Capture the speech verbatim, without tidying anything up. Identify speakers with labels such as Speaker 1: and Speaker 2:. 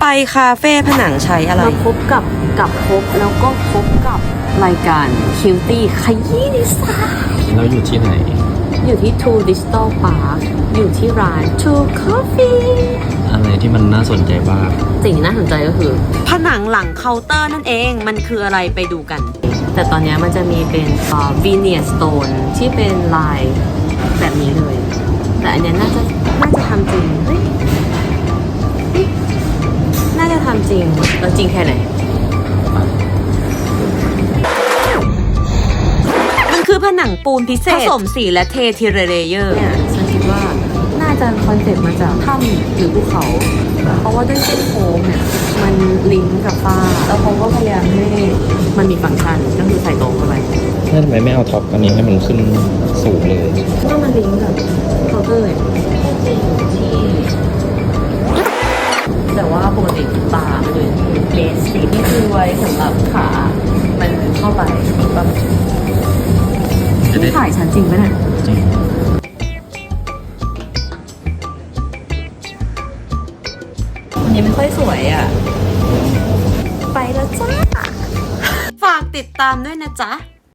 Speaker 1: คาเฟ่ผนังใช้อะไร
Speaker 2: มาพบกับกับพบแล้วก็พบกับรายการคิวตี้ขยี้ดีไซน์
Speaker 3: เราอยู่ที่ไหน
Speaker 2: อยู่ที่ Two Digital Park อยู่ที่ร้าน Two Coffee
Speaker 3: อะไรที่มันน่าสนใจบ้าง
Speaker 2: สิ่งที่น่าสนใจก็คือ
Speaker 1: ผนังหลังเคาน์เตอร์นั่นเองมันคืออะไรไปดูกัน
Speaker 2: แต่ตอนนี้มันจะมีเป็นเอ่อ Veneer Stone ที่เป็นลายแบบนี้เลย แต่อันเนี้ยน่าจะน่าจะทำจริงเฮ้ยเฮ้ยน่าจะทำจริงแล้วจริงแค่ไหน
Speaker 1: มันคือผนังปูนพิเศษผสมสีและเททีละเลเยอร์
Speaker 2: เนี่ยฉันคิดว่าน่าจะคอนเซ็ปต์มาจากถ้ำหรือภูเขา เพราะว่าด้วยเส้นโค้งเนี่ยมันลิงก์กับฟ้าแล้วเขาก็พยายามให้มันมีฟังก์ชันก็คือใส่โต๊ะเข้าไป
Speaker 3: นั่นทำไมไม่เอาท็อปอันนี้ให้มันขึ้นสูงเลย
Speaker 2: เพราะว่ามันลิงก์กับเคาน์เตอร์เนี่ยก็จริงที่แต่ว่าปกติบาร์มันเลยเบสติที่คือไว้สำหรับขามันเข้าไปแบบนี่ถ่ายฉันจริงไหมเนี่ย
Speaker 3: จริง
Speaker 2: วันนี้ไม่ค่อยสวยอ่ะ ไปแล้วจ้า
Speaker 1: ฝากติดตามด้วยนะจ๊ะ